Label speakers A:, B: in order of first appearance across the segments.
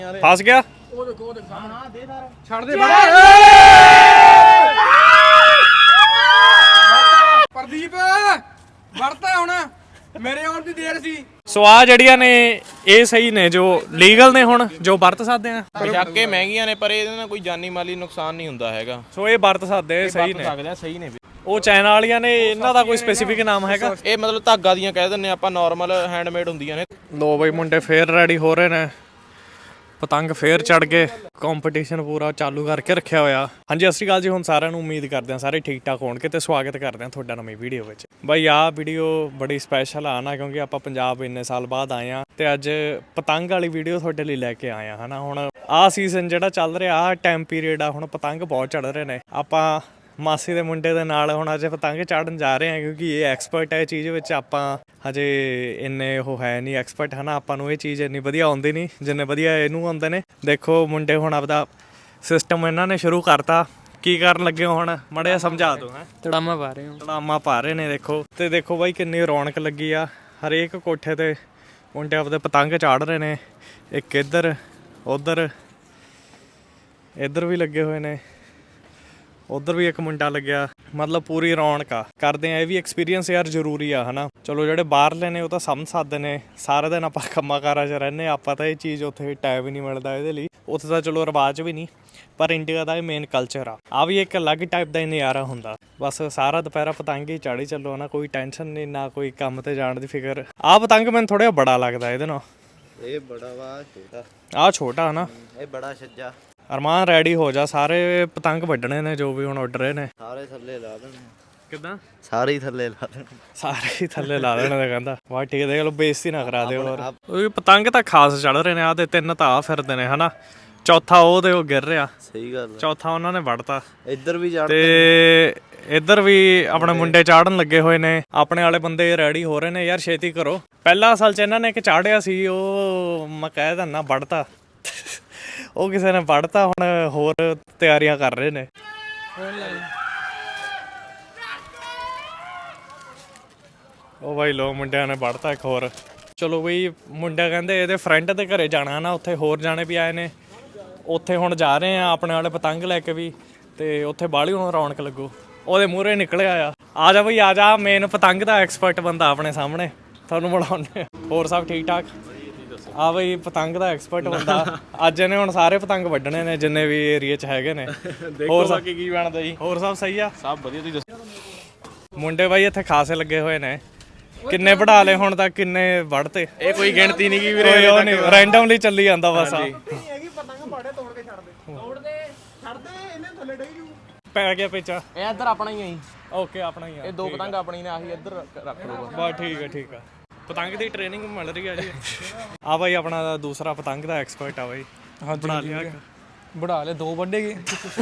A: फस गया
B: ਪ੍ਰਦੀਪ ਵਰਤਾ ਹੁਣ ਮੇਰੇ ਆਉਣ ਦੀ ਦੇਰ ਸੀ।
A: ਸੋ ਆ ਜਿਹੜੀਆਂ ਨੇ ਇਹ ਸਹੀ ਨੇ ਜੋ ਲੀਗਲ ਨੇ ਹੁਣ ਜੋ ਵਰਤ ਸਕਦੇ ਆ।
C: ਬੇਸ਼ੱਕ ਇਹ ਮਹਿੰਗੀਆਂ ਨੇ ਪਰ ਇਹਦੇ ਨਾਲ ਕੋਈ ਜਾਨੀ ਮਾਲੀ ਨੁਕਸਾਨ ਨਹੀਂ ਹੁੰਦਾ ਹੈਗਾ।
A: ਸੋ ਇਹ ਵਰਤ ਸਕਦੇ ਸਹੀ ਨੇ।
C: ਸਹੀ ਨੇ
A: ਉਹ ਚਾਈਨਾ ਵਾਲੀਆਂ ਨੇ ਇਹਨਾਂ ਦਾ ਕੋਈ ਸਪੈਸੀਫਿਕ ਨਾਮ ਹੈਗਾ?
C: ਇਹ ਮਤਲਬ ਧਾਗਾ ਦੀਆਂ ਕਹਿ ਦਿੰਦੇ ਆਪਾਂ, ਨਾਰਮਲ ਹੈਂਡਮੇਡ ਹੁੰਦੀਆਂ ਨੇ।
A: ਲੋ ਬਈ ਮੁੰਡੇ ਫੇਰ ਰੈਡੀ ਹੋ ਰਹੇ ਨੇ, ਪਤੰਗ ਫੇਰ ਚੜ ਗਏ, ਕੰਪੀਟੀਸ਼ਨ ਪੂਰਾ ਚਾਲੂ ਕਰਕੇ ਰੱਖਿਆ ਹੋਇਆ। ਹਾਂਜੀ ਸਤਿ ਸ਼੍ਰੀ ਅਕਾਲ ਜੀ, ਹੁਣ ਸਾਰਿਆਂ ਨੂੰ ਉਮੀਦ ਕਰਦੇ ਹਾਂ ਸਾਰੇ ਠੀਕ ਠਾਕ ਹੋਣਗੇ ਤੇ ਸਵਾਗਤ ਕਰਦੇ ਹਾਂ ਤੁਹਾਡਾ ਨਵੀਂ ਵੀਡੀਓ ਵਿੱਚ। ਬਾਈ ਆਹ ਵੀਡੀਓ ਬੜੀ ਸਪੈਸ਼ਲ ਆ ਨਾ, ਕਿਉਂਕਿ ਆਪਾਂ ਪੰਜਾਬ ਇੰਨੇ ਸਾਲ ਬਾਅਦ ਆਏ ਆ ਤੇ ਅੱਜ ਪਤੰਗ ਵਾਲੀ ਵੀਡੀਓ ਤੁਹਾਡੇ ਲਈ ਲੈ ਕੇ ਆਏ ਆ ਹਨਾ। ਹੁਣ ਆਹ ਸੀਜ਼ਨ ਜਿਹੜਾ ਚੱਲ ਰਿਹਾ, ਆਹ ਟਾਈਮ ਪੀਰੀਅਡ ਆ, ਹੁਣ ਪਤੰਗ ਬਹੁਤ ਚੜ ਰਹੇ ਨੇ। ਆਪਾਂ ਮਾਸੀ ਦੇ ਮੁੰਡੇ ਦੇ ਨਾਲ ਹੁਣ ਅੱਜ ਪਤੰਗ ਚਾੜਨ ਜਾ ਰਹੇ ਹਾਂ, ਕਿਉਂਕਿ ਇਹ ਐਕਸਪਰਟ ਹੈ ਇਹ ਚੀਜ਼ ਵਿੱਚ। ਆਪਾਂ ਹਜੇ ਇੰਨੇ ਉਹ ਹੈ ਨਹੀਂ ਐਕਸਪਰਟ ਹੈ ਨਾ, ਆਪਾਂ ਨੂੰ ਇਹ ਚੀਜ਼ ਇੰਨੀ ਵਧੀਆ ਆਉਂਦੀ ਨਹੀਂ ਜਿੰਨੇ ਵਧੀਆ ਇਹਨੂੰ ਆਉਂਦੇ ਨੇ। ਦੇਖੋ ਮੁੰਡੇ ਹੁਣ ਆਪਦਾ ਸਿਸਟਮ ਇਹਨਾਂ ਨੇ ਸ਼ੁਰੂ ਕਰਤਾ। ਕੀ ਕਰਨ ਲੱਗੇ ਹੋ ਹੁਣ, ਮਾੜਾ ਜਿਹਾ ਸਮਝਾ ਦਿਓ। ਹੈ
B: ਤੜਾਮਾ ਪਾ ਰਹੇ ਹਾਂ,
A: ਤੜਾਮਾ ਪਾ ਰਹੇ ਨੇ ਦੇਖੋ। ਤੇ ਦੇਖੋ ਬਾਈ ਕਿੰਨੀ ਰੌਣਕ ਲੱਗੀ ਆ, ਹਰੇਕ ਕੋਠੇ ਤੇ ਮੁੰਡੇ ਆਪਦੇ ਪਤੰਗ ਚਾੜ ਰਹੇ ਨੇ। ਇੱਕ ਇੱਧਰ ਉੱਧਰ ਇੱਧਰ ਵੀ ਲੱਗੇ ਹੋਏ ਨੇ, ਉਧਰ ਵੀ ਇੱਕ ਮੁੰਡਾ ਲੱਗਿਆ, ਮਤਲਬ ਪੂਰੀ ਰੌਣਕ ਆ। ਕਰਦੇ ਆ ਇਹ ਵੀ ਐਕਸਪੀਰੀਅੰਸ ਯਾਰ ਜ਼ਰੂਰੀ ਆ ਹਨਾ। ਚਲੋ ਜਿਹੜੇ ਬਾਹਰਲੇ ਨੇ ਉਹ ਤਾਂ ਸਮਝ ਸਕਦੇ ਨੇ, ਸਾਰਾ ਦਿਨ ਆਪਾਂ ਕੰਮਾਂ ਕਾਰਾਂ 'ਚ ਰਹਿੰਦੇ, ਆਪਾਂ ਤਾਂ ਇਹ ਚੀਜ਼ ਉੱਥੇ ਟਾਈਮ ਹੀ ਨਹੀਂ ਮਿਲਦਾ ਇਹਦੇ ਲਈ। ਉੱਥੇ ਤਾਂ ਚਲੋ ਰਿਵਾਜ ਵੀ ਨਹੀਂ, ਪਰ ਇੰਡੀਆ ਦਾ ਇਹ ਮੇਨ ਕਲਚਰ ਆ ਵੀ ਇੱਕ ਅਲੱਗ ਟਾਈਪ ਦਾ ਹੀ ਨਜ਼ਾਰਾ ਹੁੰਦਾ। ਬਸ ਸਾਰਾ ਦੁਪਹਿਰਾ ਪਤੰਗ ਹੀ ਚਾੜੀ ਚੱਲੋ ਨਾ, ਕੋਈ ਟੈਨਸ਼ਨ ਨਹੀਂ, ਨਾ ਕੋਈ ਕੰਮ ਤੇ ਜਾਣ ਦੀ ਫਿਕਰ। ਆਹ ਪਤੰਗ ਮੈਨੂੰ ਥੋੜਾ ਜਿਹਾ ਬੜਾ ਲੱਗਦਾ ਇਹਦੇ ਨਾਲ।
C: ਇਹ ਬੜਾ ਵਾ ਛੋਟਾ,
A: ਆਹ ਛੋਟਾ ਹਨਾ,
C: ਇਹ ਬੜਾ ਛੱਜਾ।
A: ਅਰਮਾਨ ਰੈਡੀ ਹੋ ਜਾ, ਸਾਰੇ ਪਤੰਗ ਵੱਢਣੇ ਨੇ ਜੋ ਵੀ ਹੁਣ ਉੱਡ ਰਹੇ ਨੇ।
C: ਸਾਰੇ ਥੱਲੇ ਲਾ ਦੇਣੇ।
A: ਕਿੱਦਾਂ?
C: ਸਾਰੇ ਹੀ ਥੱਲੇ ਲਾ ਦੇਣੇ,
A: ਸਾਰੇ ਹੀ ਥੱਲੇ ਲਾ ਦੇਣੇ ਤੇ ਕਹਿੰਦਾ ਵਾਹ ਠੀਕ ਹੈ, ਦੇਖ ਲਓ ਬੇਇੱਜ਼ਤੀ ਨਾ ਕਰਾ ਦਿਓ। ਹੋਰ ਉਹ ਪਤੰਗ ਤਾਂ ਖਾਸ ਚੜ ਰਹੇ ਨੇ, ਆਹ ਤੇ ਤਿੰਨ ਤਾਂ ਆ ਫਿਰਦੇ ਨੇ ਹਨਾ, ਚੌਥਾ ਉਹ ਤੇ ਉਹ ਗਿਰ ਰਿਹਾ।
C: ਸਹੀ ਗੱਲ,
A: ਚੌਥਾ ਉਹਨਾਂ ਨੇ ਵੱਢਤਾ।
C: ਇੱਧਰ ਵੀ ਜਾ
A: ਤੇ ਇੱਧਰ ਵੀ ਆਪਣੇ ਮੁੰਡੇ ਚਾੜਨ ਲੱਗੇ ਹੋਏ ਨੇ। ਆਪਣੇ ਵਾਲੇ ਬੰਦੇ ਰੈਡੀ ਹੋ ਰਹੇ ਨੇ, ਯਾਰ ਛੇਤੀ ਕਰੋ। ਪਹਿਲਾ ਅਸਲ 'ਚ ਇਹਨਾਂ ਨੇ ਇੱਕ ਚਾੜਿਆ ਸੀ, ਉਹ ਮੈਂ ਕਹਿ ਦਿੰਦਾ ਵੱਢਤਾ, ਉਹ ਕਿਸੇ ਨੇ ਵੱਢਤਾ। ਹੁਣ ਹੋਰ ਤਿਆਰੀਆਂ ਕਰ ਰਹੇ ਨੇ। ਉਹ ਬਾਈ ਲੋ ਮੁੰਡਿਆਂ ਨੇ ਵੱਢਤਾ ਇੱਕ ਹੋਰ। ਚਲੋ ਬਈ ਮੁੰਡਾ ਕਹਿੰਦੇ ਇਹਦੇ ਫਰੈਂਡ ਦੇ ਘਰੇ ਜਾਣਾ ਨਾ, ਉੱਥੇ ਹੋਰ ਜਾਣੇ ਵੀ ਆਏ ਨੇ। ਉੱਥੇ ਹੁਣ ਜਾ ਰਹੇ ਆ ਆਪਣੇ ਵਾਲੇ ਪਤੰਗ ਲੈ ਕੇ ਵੀ, ਤੇ ਉੱਥੇ ਬਾਹਲੀ ਹੁਣ ਰੌਣਕ ਲੱਗੂ। ਉਹਦੇ ਮੂਹਰੇ ਨਿਕਲਿਆ ਆ ਜਾ ਬਈ ਆ ਜਾ, ਮੇਨ ਪਤੰਗ ਦਾ ਐਕਸਪਰਟ ਬੰਦਾ ਆਪਣੇ ਸਾਹਮਣੇ, ਤੁਹਾਨੂੰ ਬੁਲਾਉਂਦੇ। ਹੋਰ ਸਭ ਠੀਕ ਠਾਕ? ਆ ਬਈ ਪਤੰਗ ਦਾ ਐਕਸਪਰਟ ਬੰਦਾ ਅੱਜ ਇਹਨੇ ਹੁਣ ਸਾਰੇ ਪਤੰਗ ਵੱਢਣੇ ਨੇ ਜਿੰਨੇ ਵੀ ਏਰੀਆ 'ਚ ਹੈਗੇ ਨੇ। ਹੋਰ ਸਭ ਕੀ ਬਣਦਾ ਜੀ? ਹੋਰ ਸਭ ਸਹੀ ਆ? ਸਭ ਵਧੀਆ, ਤੁਸੀਂ ਦੱਸੋ। ਮੁੰਡੇ ਬਾਈ ਇੱਥੇ ਖਾਸੇ ਲੱਗੇ ਹੋਏ ਨੇ। ਕਿੰਨੇ ਵਢਾ ਲਏ ਹੁਣ ਤੱਕ, ਕਿੰਨੇ ਵੱਢਤੇ? ਇਹ ਕੋਈ ਗਿਣਤੀ ਨਹੀਂ ਗੀ ਵੀਰੇ, ਉਹ ਨਹੀਂ ਰੈਂਡਮਲੀ ਚੱਲੀ ਜਾਂਦਾ ਬਸ। ਪੈ ਗਿਆ ਪੇਚਾ।
C: ਇਹ ਇੱਧਰ ਆਪਣਾ ਹੀ ਆ ਜੀ।
A: ਓਕੇ ਆਪਣਾ ਹੀ ਆ।
C: ਇਹ ਦੋ ਪਤੰਗ ਆਪਣੀ ਨੇ, ਆਹੀ ਇੱਧਰ ਰੱਖ ਲਓ
A: ਬਸ ਠੀਕ ਹੈ ਠੀਕ ਆ। ਪਤੰਗ ਦੀ ਟ੍ਰੇਨਿੰਗ ਮਿਲ ਰਹੀ ਆ ਜੀ। ਆ ਬਾਈ ਆਪਣਾ ਦੂਸਰਾ ਪਤੰਗ ਦਾ ਐਕਸਪਰਟ ਆ ਬਾਈ। ਹਾਂ ਬਣਾ ਲਿਆ,
B: ਬੜਾ ਲੈ ਦੋ ਵੱਢੇਗੇ।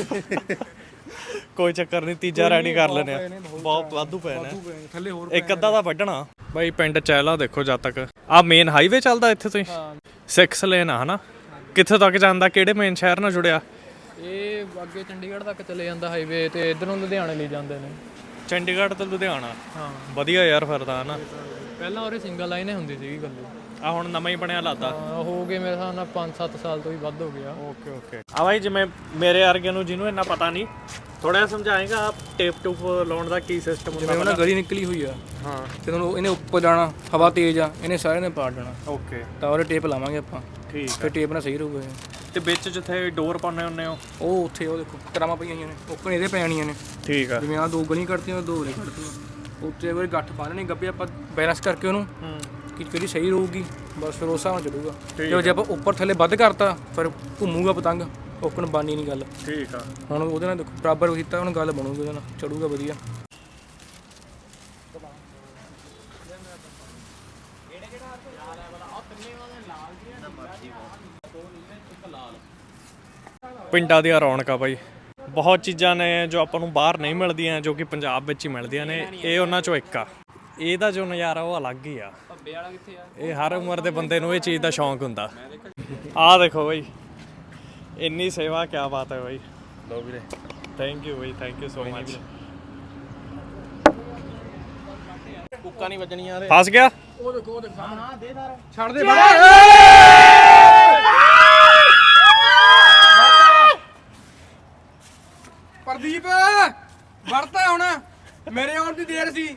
A: ਕੋਈ ਚੱਕਰ ਨਹੀਂ, ਤੀਜਾ ਰੈਡੀ ਕਰ ਲੈਨੇ ਆ। ਬਹੁਤ ਵਾਧੂ ਪਏ ਨੇ
B: ਥੱਲੇ, ਹੋਰ
A: ਇੱਕ ਅੱਧਾ ਦਾ ਵੱਢਣਾ। ਬਾਈ ਪਿੰਡ ਚਹਿਲਾ ਦੇਖੋ ਜਦ ਤੱਕ। ਆ ਮੇਨ ਹਾਈਵੇ ਚੱਲਦਾ ਇੱਥੇ ਤੋਂ ਹੀ 6 ਲੇਨ ਆ ਹਨਾ। ਕਿੱਥੇ ਤੱਕ ਜਾਂਦਾ, ਕਿਹੜੇ ਮੇਨ ਸ਼ਹਿਰ ਨਾਲ ਜੁੜਿਆ?
B: ਇਹ ਅੱਗੇ ਚੰਡੀਗੜ੍ਹ ਤੱਕ ਚਲੇ ਜਾਂਦਾ ਹਾਈਵੇ, ਤੇ ਇੱਧਰੋਂ ਲੁਧਿਆਣੇ ਲਈ ਜਾਂਦੇ ਨੇ।
A: ਚੰਡੀਗੜ੍ਹ ਤੋਂ ਲੁਧਿਆਣਾ? ਹਾਂ ਵਧੀਆ ਯਾਰ ਫਿਰ ਤਾਂ ਹਨਾ।
B: ਪਹਿਲਾਂ ਉਰੇ ਸਿੰਗਲ ਲਾਈਨ ਹੀ ਹੁੰਦੀ ਸੀਗੀ ਗੱਲੇ।
A: ਆ ਹੁਣ ਨਵਾਂ ਹੀ ਬਣਿਆ ਲੱਗਦਾ।
B: ਹੋ ਗਏ ਮੇਰੇ ਹਿਸਾਬ ਨਾਲ 5-7 ਸਾਲ ਤੋਂ ਵੀ ਵੱਧ ਹੋ ਗਿਆ।
A: Okay okay. ਆ ਬਾਈ ਜਿਵੇਂ ਮੇਰੇ ਵਰਗੇ ਨੂੰ ਜਿਹਨੂੰ ਇੰਨਾ ਪਤਾ ਨਹੀਂ, ਥੋੜਾ ਜਿਹਾ ਸਮਝਾਏਗਾ ਟੇਪ ਟੂਪ ਲਾਉਣ ਦਾ ਕੀ ਸਿਸਟਮ ਹੁੰਦਾ?
B: ਜਿਵੇਂ ਉਹਨਾਂ ਗਲੀ ਨਿਕਲੀ ਹੋਈ ਆ,
A: ਹਾਂ,
B: ਤੇ ਤੁਹਾਨੂੰ ਇਹਨੇ ਉੱਪਰ ਜਾਣਾ, ਹਵਾ ਤੇਜ਼ ਆ, ਇਹਨੇ ਸਾਰੇ ਨੇ ਪਾੜ ਜਾਣਾ।
A: ਓਕੇ,
B: ਤਾਂ ਉਹਦੇ ਟੇਪ ਲਾਵਾਂਗੇ ਆਪਾਂ,
A: ਠੀਕ
B: ਫਿਰ ਟੇਪ ਨਾਲ ਸਹੀ ਰਹੂਗਾ।
A: ਤੇ ਵਿੱਚ ਜਿੱਥੇ ਡੋਰ ਪਾਉਂਦੇ ਹੁੰਦੇ ਹੋ
B: ਉਹ ਉੱਥੇ ਉਹ ਦੇਖੋ ਤਰਾਵਾਂ ਪਈਆਂ ਹੋਈਆਂ ਨੇ, ਓਪਨ ਇਹਦੇ ਪੈਣੀਆਂ ਨੇ।
A: ਠੀਕ ਆ।
B: ਜਿਵੇਂ ਆਹ ਦੋ ਗਲੀ ਕੱਢਤੀਆਂ, ਦੋ ਉਰੇ ਕੱਢਤੀਆਂ, ਉੱਤੇ ਉਹ ਗੱਠ ਪਾਣੇ ਗੱਬੇ ਆਪਾਂ ਬੈਲੈਂਸ ਕਰਕੇ ਉਹਨੂੰ ਕਿ ਕਿਹੜੀ ਸਹੀ ਰਹੂਗੀ, ਬਸ ਫਿਰ ਉਸ ਹਿਸਾਬ ਨਾਲ ਚੱਲੂਗਾ। ਜੇ ਆਪਾਂ ਉੱਪਰ ਥੱਲੇ ਵੱਧ ਕਰਤਾ ਫਿਰ ਘੁੰਮੂਗਾ ਪਤੰਗ, ਓਕਣ ਬਾਨੀ ਨਹੀਂ ਗੱਲ।
A: ਠੀਕ ਆ। ਹੁਣ
B: ਉਹਦੇ ਨਾਲ ਦੇਖੋ ਬਰਾਬਰ ਕੀਤਾ, ਹੁਣ ਗੱਲ ਬਣੂਗੀ, ਉਹਦੇ ਨਾਲ ਚੜੂਗਾ ਵਧੀਆ।
A: ਪਿੰਡਾਂ ਦੀਆਂ ਰੌਣਕਾਂ ਬਾਈ, ਬਹੁਤ ਚੀਜ਼ਾਂ ਨੇ ਜੋ ਆਪਾਂ ਨੂੰ ਬਾਹਰ ਨਹੀਂ ਮਿਲਦੀਆਂ, ਜੋ ਕਿ ਪੰਜਾਬ ਵਿੱਚ ਹੀ ਮਿਲਦੀਆਂ ਨੇ। ਇਹ ਉਹਨਾਂ ਚੋਂ ਇੱਕ ਆ। ਇਹਦਾ ਜੋ ਨਜ਼ਾਰਾ ਉਹ ਅਲੱਗ ਹੀ ਆ। ਇਹ ਹਰ ਉਮਰ ਦੇ ਬੰਦੇ ਨੂੰ ਇਹ ਚੀਜ਼ ਦਾ ਸ਼ੌਂਕ ਹੁੰਦਾ। ਆਹ ਦੇਖੋ ਬਾਈ, ਇੰਨੀ ਸੇਵਾ, ਕਿਆ ਬਾਤ ਹੈ ਬਾਈ।
C: ਲਓ ਵੀਰੇ,
A: ਥੈਂਕ ਯੂ ਬਾਈ, ਥੈਂਕ ਯੂ ਸੋ ਮਚ।
C: ਕੁੱਕਾ ਨਹੀਂ ਵੱਜਣੀਆਂ।
A: ਫਸ ਗਿਆ।
B: ਉਹ ਦੇਖੋ, ਉਹ ਦੇਖੋ, ਹਾਂ ਦੇ ਸਾਰਾ ਛੱਡ ਦੇ। ਵੜਤਾ ਹੁਣ ਮੇਰੇ ਆਉਣ ਦੀ ਦੇਰ ਸੀ।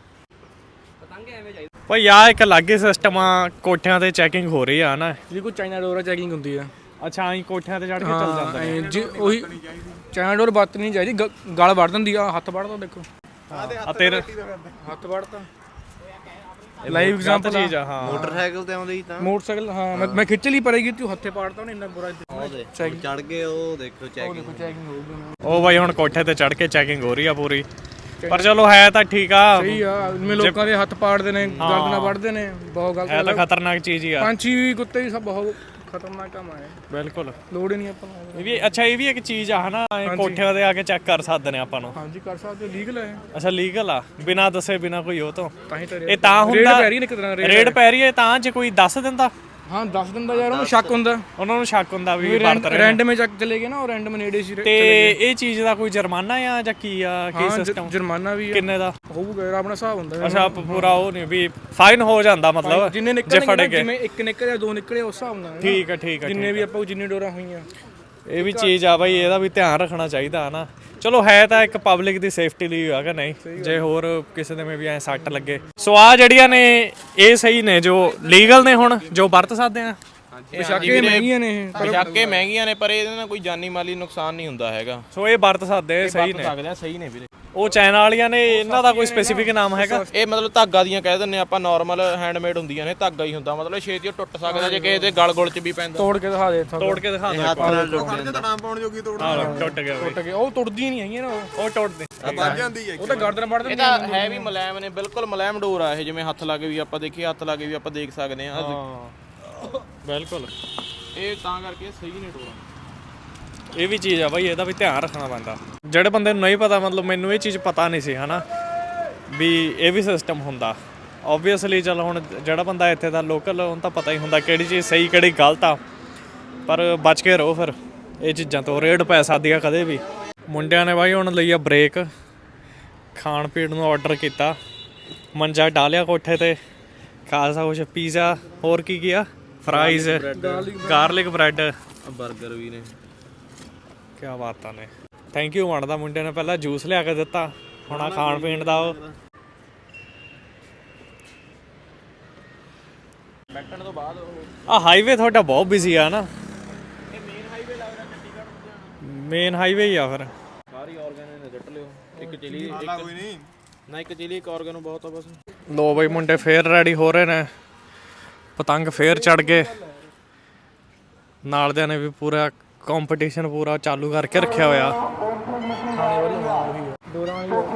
A: ਭਾਈ ਆ ਇੱਕ ਅਲੱਗ ਹੀ ਸਿਸਟਮ ਆ, ਕੋਠਿਆਂ ਤੇ ਚੈਕਿੰਗ ਹੋ ਰਹੀ ਆ ਨਾ।
B: ਜੀ ਕੋਈ ਚਾਈਨਾ ਡੋਰ ਚੈਕਿੰਗ ਹੁੰਦੀ ਆ।
A: ਅੱਛਾ ਆਈ ਕੋਠਿਆਂ ਤੇ ਚੜ ਕੇ ਚੱਲ ਜਾਂਦਾ
B: ਹਾਂ ਜੀ ਉਹੀ ਚਾਈਨਾ ਡੋਰ ਵਰਤ ਨਹੀਂ ਚਾਹੀਦੀ, ਗਲ ਵੜ ਦਿੰਦੀ ਆ। ਹੱਥ ਵੜਦਾ ਦੇਖੋ,
A: ਆ ਤੇਰੇ
B: ਹੱਥ ਵੜਤਾ। ਲਾਈਵ ਐਗਜ਼ਾਮਪਲ
A: ਚੀਜ਼ ਆ। ਹਾਂ
D: ਮੋਟਰਸਾਈਕਲ ਤੇ ਆਉਂਦੇ ਹੀ ਤਾਂ
B: ਮੋਟਰਸਾਈਕਲ ਹਾਂ ਮੈਂ ਖਿੱਚ ਲਈ ਪਰੇਗੀ, ਤੂੰ ਹੱਥੇ ਪਾੜਤਾ ਉਹਨੇ ਇੰਨਾ ਬੁਰਾ
D: ਚੈਕਿੰਗ ਚੜ ਗਏ। ਉਹ ਦੇਖੋ ਚੈਕਿੰਗ
B: ਚੈਕਿੰਗ ਹੋਊਗੀ।
A: ਉਹ ਬਾਈ ਹੁਣ ਕੋਠੇ ਤੇ ਚੜ ਕੇ ਚੈਕਿੰਗ ਹੋ ਰਹੀ ਆ ਪੂਰੀ, ਪਰ ਚਲੋ ਹੈ ਤਾਂ ਠੀਕ ਆ।
B: ਸਹੀ ਆ, ਜਿਵੇਂ ਲੋਕਾਂ ਦੇ ਹੱਥ ਪਾੜਦੇ ਨੇ, ਗਰਦਨਾਂ ਵੱਢਦੇ ਨੇ, ਬਹੁਤ ਗਲਤ
A: ਹੈ ਤਾਂ ਖਤਰਨਾਕ ਚੀਜ਼ ਹੀ ਆ।
B: ਪੰਛੀ ਵੀ ਕੁੱਤੇ ਵੀ ਸਭ ਬਹੁਤ ਖਤਰਨਾਕ ਕੰਮ ਆ।
A: ਬਿਲਕੁਲ
B: ਲੋੜ ਹੀ ਨਹੀਂ ਆਪਾਂ ਨੂੰ।
A: ਇਹ ਵੀ ਅੱਛਾ, ਇਹ ਵੀ ਇੱਕ ਚੀਜ਼ ਆ ਹਨਾ, ਕੋਠਿਆਂ ਤੇ ਆ ਕੇ ਚੈੱਕ ਕਰ ਸਕਦੇ ਨੇ ਆਪਾਂ ਨੂੰ।
B: ਹਾਂਜੀ ਕਰ ਸਕਦੇ, ਲੀਗਲ ਹੈ।
A: ਅੱਛਾ ਲੀਗਲ ਆ, ਬਿਨਾਂ ਦੱਸੇ ਬਿਨਾਂ ਕੋਈ ਉਹ ਤੋਂ
B: ਤਾਂ ਹੀ ਤਾਂ
A: ਇਹ ਤਾਂ ਹੁੰਦਾ
B: ਪੈ ਰਹੀ ਨੇ ਇੱਕ ਤਰ੍ਹਾਂ
A: ਰੇਡ ਪੈ ਰਹੀ ਹੈ ਤਾਂ ਜੇ ਕੋਈ ਦੱਸ ਦਿੰਦਾ।
B: ਹਾਂ ਦੱਸ ਦਿੰਦਾ ਯਾਰ, ਉਹਨੂੰ ਸ਼ੱਕ ਹੁੰਦਾ,
A: ਉਹਨਾਂ ਨੂੰ ਸ਼ੱਕ ਹੁੰਦਾ ਵੀ ਵਰਤ ਰਹੇ ਨੇ।
B: ਰੈਂਡਮ ਚੱਕ ਚਲੇ ਗਏ ਨਾ, ਉਹ ਰੈਂਡਮ ਨੇੜੇ ਸੀ
A: ਤੇ ਇਹ ਚੀਜ਼ ਦਾ ਕੋਈ ਜੁਰਮਾਨਾ ਆ ਜਾਂ ਕੀ ਆ, ਕੀ ਸਿਸਟਮ?
B: ਜੁਰਮਾਨਾ ਵੀ
A: ਕਿੰਨੇ ਦਾ
B: ਹੋਊਗਾ ਯਾਰ, ਆਪਣਾ ਹਿਸਾਬ ਹੁੰਦਾ।
A: ਅੱਛਾ ਪੂਰਾ ਉਹ ਨਹੀਂ ਵੀ ਫਾਈਨ ਹੋ ਜਾਂਦਾ ਮਤਲਬ
B: ਜਿੰਨੇ
A: ਜੇ ਫੜੇ
B: ਨਿਕਲਣਗੇ,
A: ਗਏ।
B: ਜਿਵੇਂ ਇੱਕ ਨਿਕਲਿਆ ਦੋ ਨਿਕਲੇ ਉਸ ਹਿਸਾਬ ਨਾਲ।
A: ਠੀਕ ਹੈ ਠੀਕ ਹੈ।
B: ਜਿੰਨੇ ਵੀ ਆਪਾਂ ਜਿੰਨੀ ਡੋਰਾਂ ਹੋਈਆਂ,
A: ਇਹ ਵੀ ਚੀਜ਼ ਆ ਬਾਈ, ਇਹਦਾ ਵੀ ਧਿਆਨ ਰੱਖਣਾ ਚਾਹੀਦਾ ਹੈ ਨਾ। ਚਲੋ ਹੈ ਤਾਂ ਇੱਕ ਪਬਲਿਕ ਦੀ ਸੇਫਟੀ ਲਈ ਹੈਗਾ, ਨਹੀਂ ਜੇ ਹੋਰ ਕਿਸੇ ਦੇ ਵੀ ਐ ਸੱਟ ਲੱਗੇ। ਸੋ ਆ ਜਿਹੜੀਆਂ ਨੇ ਇਹ ਸਹੀ ਨੇ, ਜੋ ਲੀਗਲ ਨੇ ਹੁਣ ਜੋ ਵਰਤ ਸਕਦੇ ਆ।
B: ਪੋਸ਼ਾਕਾਂ ਮਹਿੰਗੀਆਂ ਨੇ ਇਹ,
C: ਪੋਸ਼ਾਕਾਂ ਮਹਿੰਗੀਆਂ ਨੇ ਪਰ ਇਹਦੇ ਨਾਲ ਕੋਈ ਜਾਨੀ ਮਾਲੀ ਨੁਕਸਾਨ ਨਹੀਂ ਹੁੰਦਾ ਹੈਗਾ।
A: ਸੋ ਇਹ ਵਰਤ ਸਕਦੇ ਸਹੀ ਨੇ।
C: ਸਕਦੇ ਆ, ਸਹੀ ਨੇ ਵੀਰੇ।
A: ਉਹ ਚਾਈਨਾ ਵਾਲੀਆਂ ਨੇ, ਇਹਨਾਂ ਦਾ ਕੋਈ ਸਪੈਸੀਫਿਕ ਨਾਮ ਹੈਗਾ?
C: ਇਹ ਮਤਲਬ ਧਾਗਾ ਦੀਆਂ ਕਹਿ ਦਿੰਨੇ ਆਪਾਂ, ਨਾਰਮਲ ਹੈਂਡਮੇਡ ਹੁੰਦੀਆਂ ਨੇ, ਧਾਗਾ ਹੀ ਹੁੰਦਾ, ਮਤਲਬ ਛੇਤੀ ਉਹ ਟੁੱਟ ਸਕਦਾ ਜੇ ਕਿਸੇ ਦੇ ਗਲ ਗੁਲ 'ਚ ਵੀ ਪੈਂਦਾ।
B: ਤੋੜ ਕੇ ਦਿਖਾ ਦੇ ਇੱਥੋਂ,
A: ਤੋੜ ਕੇ ਦਿਖਾ
D: ਹੱਥ
A: ਦਿਓ।
D: ਨਾਲ ਟੁੱਟ ਜਾਂਦਾ।
A: ਟੁੱਟ ਗਿਆ
B: ਟੁੱਟ ਕੇ ਉਹ ਟੁੱਟਦੀ ਨਹੀਂ ਹੈਗੀਆਂ ਨਾ,
A: ਉਹ ਟੁੱਟਦੇ।
B: ਉਹ ਤਾਂ ਗਰਦਨ ਵੱਢ
C: ਇਹ
B: ਦਿੰਦੀ
C: ਤਾਂ ਹੈ ਵੀ ਮੁਲਾਇਮ ਨੇ, ਬਿਲਕੁਲ ਮੁਲਾਇਮ ਡੋਰ ਆ ਇਹ, ਜਿਵੇਂ ਹੱਥ ਲਾ ਕੇ ਵੀ ਆਪਾਂ ਦੇਖੀਏ, ਹੱਥ ਲਾ ਕੇ ਵੀ ਆਪਾਂ ਦੇਖ ਸਕਦੇ ਆ।
A: ਹਾਂ ਬਿਲਕੁਲ,
C: ਇਹ ਤਾਂ ਕਰਕੇ ਸਹੀ ਨੇ ਡੋਰਾਂ।
A: ਇਹ ਵੀ ਚੀਜ਼ ਆ ਬਾਈ, ਇਹਦਾ ਵੀ ਧਿਆਨ ਰੱਖਣਾ ਪੈਂਦਾ। ਜਿਹੜੇ ਬੰਦੇ ਨੂੰ ਨਹੀਂ ਪਤਾ, ਮਤਲਬ ਮੈਨੂੰ ਇਹ ਚੀਜ਼ ਪਤਾ ਨਹੀਂ ਸੀ ਹਨਾ ਵੀ ਇਹ ਵੀ ਸਿਸਟਮ ਹੁੰਦਾ। ਓਬਵੀਅਸਲੀ ਚਲ ਹੁਣ ਜਿਹੜਾ ਬੰਦਾ ਇੱਥੇ ਦਾ ਲੋਕਲ, ਉਹਨੂੰ ਤਾਂ ਪਤਾ ਹੀ ਹੁੰਦਾ ਕਿਹੜੀ ਚੀਜ਼ ਸਹੀ ਕਿਹੜੀ ਗਲਤ ਆ, ਪਰ ਬਚ ਕੇ ਰਹੋ ਫਿਰ ਇਹ ਚੀਜ਼ਾਂ ਤੋਂ। ਰੇਡ ਪੈ ਸਕਦੀ ਆ ਕਦੇ ਵੀ। ਮੁੰਡਿਆਂ ਨੇ ਬਾਈ ਹੁਣ ਲਈ ਆ ਬ੍ਰੇਕ, ਖਾਣ ਪੀਣ ਨੂੰ ਆਰਡਰ ਕੀਤਾ, ਮੰਜਾ ਡਾਲਿਆ ਕੋਠੇ ਤੇ, ਖਾਸਾ ਕੁਛ ਪੀਜ਼ਾ, ਹੋਰ ਕੀ ਕੀ ਆ, ਫਰਾਈਜ਼, ਗਾਰਲਿਕ ਬ੍ਰੈਡ,
D: ਬਰਗਰ ਵੀ ਨੇ।
A: ਕਿਆ ਬਾਤਾਂ ਨੇ। ਥੈਂਕ ਯੂ ਬਣਦਾ ਮੁੰਡੇ ਨੇ, ਪਹਿਲਾਂ ਜੂਸ ਲਿਆ ਕੇ ਦਿੱਤਾ, ਹੁਣ ਆ ਖਾਣ ਪੀਣ ਦਾ। ਉਹ
C: ਬੈਠਣ ਤੋਂ ਬਾਅਦ
A: ਆ ਹਾਈਵੇ ਤੁਹਾਡਾ ਬਹੁਤ ਬਿਜ਼ੀ ਆ ਨਾ?
C: ਇਹ ਮੇਨ ਹਾਈਵੇ ਲੱਗਦਾ ਚੰਡੀਗੜ੍ਹ ਨੂੰ।
A: ਮੇਨ ਹਾਈਵੇ ਹੀ ਆ ਫਿਰ।
C: ਸਾਰੀ ਆਰਗਨ ਨੇ ਜੱਟ ਲਿਓ, ਇੱਕ ਚਿਲੀ ਇੱਕ ਚਿਲੀ, ਇੱਕ ਆਰਗਨ ਬਹੁਤ ਆ ਬਸ।
A: ਲੋ ਬਈ ਮੁੰਡੇ ਫੇਰ ਰੈਡੀ ਹੋ ਰਹੇ ਨੇ, ਪਤੰਗ ਫੇਰ ਚੜ ਗਏ। ਨਾਲ ਦਿਆਂ ਨੇ ਵੀ ਪੂਰਾ ਕੰਪੀਟੀਸ਼ਨ ਪੂਰਾ ਚਾਲੂ ਕਰਕੇ ਰੱਖਿਆ ਹੋਇਆ।
B: ਖਾਣੇ ਵਾਲੀ ਉਹੀ ਆ, ਡੋਰਾਂ ਵਾਲੀ।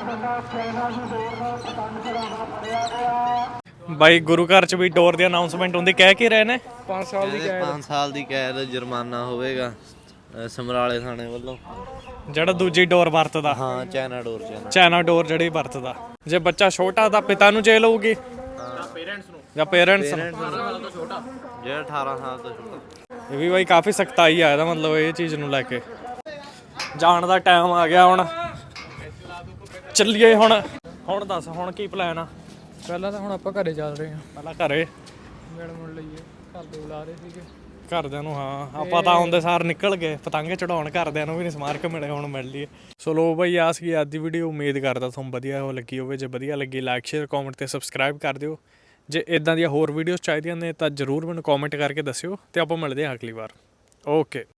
A: ਬਾਈ ਗੁਰੂ ਘਰ ਚ ਵੀ ਡੋਰ ਦੀ ਅਨਾਉਂਸਮੈਂਟ ਹੁੰਦੀ, ਕਹਿ ਕੇ ਰਹੇ ਨੇ
B: 5 ਸਾਲ ਦੀ ਕੈਦ।
D: 5 ਸਾਲ ਦੀ ਕੈਦ, ਜੁਰਮਾਨਾ ਹੋਵੇਗਾ ਸਮਰਾਲੇ ਥਾਣੇ ਵੱਲੋਂ।
A: ਜਿਹੜਾ ਦੂਜੀ ਡੋਰ ਵਰਤਦਾ,
D: ਹਾਂ ਚਾਈਨਾ ਡੋਰ
A: ਚਾਈਨਾ ਡੋਰ ਜਿਹੜੀ ਵਰਤਦਾ। ਜੇ ਬੱਚਾ ਛੋਟਾ ਤਾਂ ਪਿਤਾ ਨੂੰ ਜੇਲ੍ਹ ਹੋਊਗੀ ਜਾਂ ਪੇਰੈਂਟਸ ਨੂੰ।
D: ਜਿਹੜਾ 18 ਸਾਲ ਤੋਂ ਛੋਟਾ।
A: ਇਹ ਵੀ ਬਾਈ ਕਾਫੀ ਸਖਤਾਈ ਆ ਇਹਦਾ ਮਤਲਬ, ਇਹ ਚੀਜ਼ ਨੂੰ ਲੈ ਕੇ। ਜਾਣ ਦਾ ਟਾਈਮ ਆ ਗਿਆ ਹੁਣ, ਚੱਲੀਏ ਹੁਣ। ਹੁਣ ਦੱਸ ਹੁਣ ਕੀ ਪਲਾਨ ਆ?
B: ਪਹਿਲਾਂ ਤਾਂ ਹੁਣ ਆਪਾਂ ਘਰੇ ਚੱਲ ਰਹੇ ਹਾਂ,
A: ਪਹਿਲਾਂ ਘਰੇ
B: ਮਿਲ ਮੁਲ ਲਈਏ। ਘਰ ਦੇ ਬੁਲਾ ਰਹੇ ਸੀਗੇ
A: ਘਰਦਿਆਂ ਨੂੰ। ਹਾਂ ਆਪਾਂ ਤਾਂ ਆਉਂਦੇ ਸਾਰ ਨਿਕਲ ਗਏ ਪਤੰਗ ਚੜਾਉਣ, ਘਰਦਿਆਂ ਨੂੰ ਵੀ ਨਹੀਂ ਸਮਾਰਕ ਮਿਲੇ, ਹੁਣ ਮਿਲ ਲਈਏ। ਸੋ ਲੋ ਬਈ ਆ ਸੀ ਅੱਜ ਦੀ ਵੀਡੀਓ, ਉਮੀਦ ਕਰਦਾ ਤੁਹਾਨੂੰ ਵਧੀਆ ਉਹ ਲੱਗੀ ਹੋਵੇ। ਜੇ ਵਧੀਆ ਲੱਗੀ ਲਾਈਕ ਸ਼ੇਅਰ ਕਮੈਂਟ ਤੇ ਸਬਸਕ੍ਰਾਈਬ ਕਰ ਦਿਓ। ਜੇ ਇਦਾਂ ਦੀਆਂ ਹੋਰ ਵੀਡੀਓਜ਼ ਚਾਹੀਦੀਆਂ ਨੇ ਤਾਂ ਜ਼ਰੂਰ ਮੈਨੂੰ ਕਮੈਂਟ ਕਰਕੇ ਦੱਸਿਓ, ਤੇ ਆਪਾਂ ਮਿਲਦੇ ਹਾਂ ਅਗਲੀ ਵਾਰ। ਓਕੇ।